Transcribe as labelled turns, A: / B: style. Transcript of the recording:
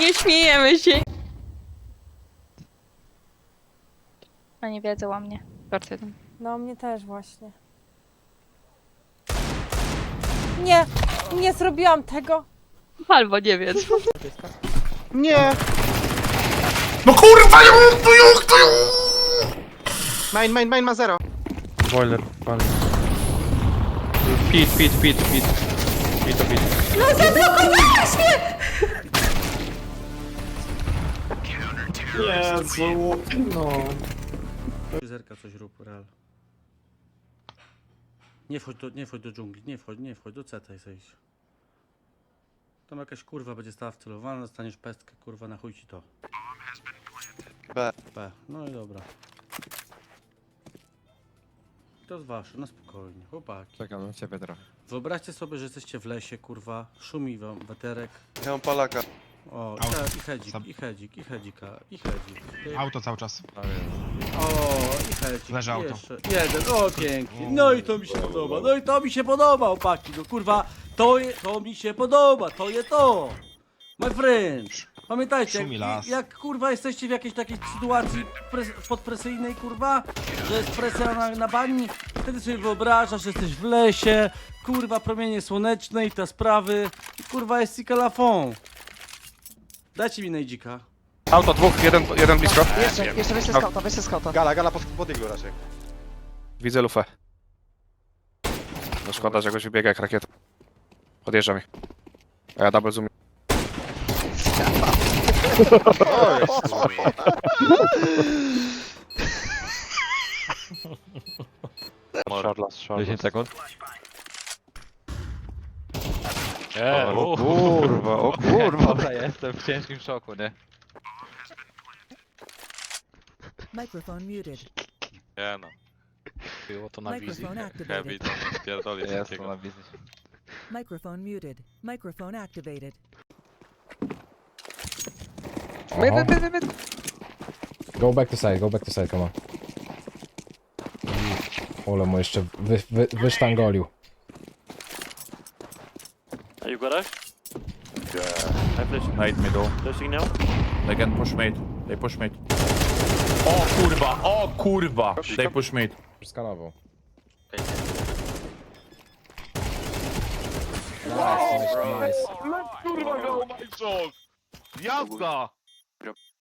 A: Nie śmiejemy się. Oni wiedzą o mnie. Bardzo jeden.
B: No, mnie też właśnie. Nie! Nie zrobiłam tego!
A: Albo nie wiedzą.
C: Nie!
D: No kurwa,
C: Main ma 0.
D: Boiler, pali. Pit. Pit.
B: No zablokowałeś mnie!
E: Jezu, no.
F: Zerka coś rób, real. Nie wchodź do dżungli, nie wchodź, do CT zejdź. Tam jakaś kurwa będzie stała wcelowana, dostaniesz pestkę, kurwa, na chuj ci to.
C: B.
F: No i dobra. To jest wasze, na spokojnie, chłopaki.
E: Czekam na ciebie trochę.
F: Wyobraźcie sobie, że jesteście w lesie, kurwa, szumi wam weterek.
C: Ja mam palaka.
F: O,
G: Auto.
F: i hedzik. Ty-
G: Auto cały czas.
F: O, i hedzik.
G: Leży auto.
F: Jeszcze jeden, o pięknie. No i to mi się podoba, chłopaki. No kurwa, to mi się podoba, to. My friend. Pamiętajcie,
G: Szumi las.
F: jak kurwa jesteście w jakiejś takiej sytuacji podpresyjnej, kurwa, że jest presja na bani, wtedy sobie wyobrażasz, że jesteś w lesie, kurwa, promienie słoneczne i te sprawy, i kurwa jest cikalafon. Dajcie mi najdzika.
H: Auto, dwóch, jeden blisko.
C: Jeszcze weź ze skauta. Gala pod iglu raczej.
H: Widzę lufę. No szkoda, że jakoś wybiega jak rakieta. Podjeżdża mi. A ja double zoom. Short.
E: 10 sekund.
H: O
E: kurwa. Dobra, jestem w ciężkim szoku, nie?
B: Microphone muted.
H: Nie no. Było to na wizji.
B: Microphone activated.
H: Heavy to nie pierdoli
E: Jestem na wizji.
B: Microphone muted. Microphone activated.
I: Go back to side, come on. Ole mu jeszcze wysztangolił.
H: Are you got I flash mate middle. Flashing now. They can push mate. They push mate.
D: O kurwa. They push mid.
I: Skanował.
D: Kurwa, go my joke. Jazda.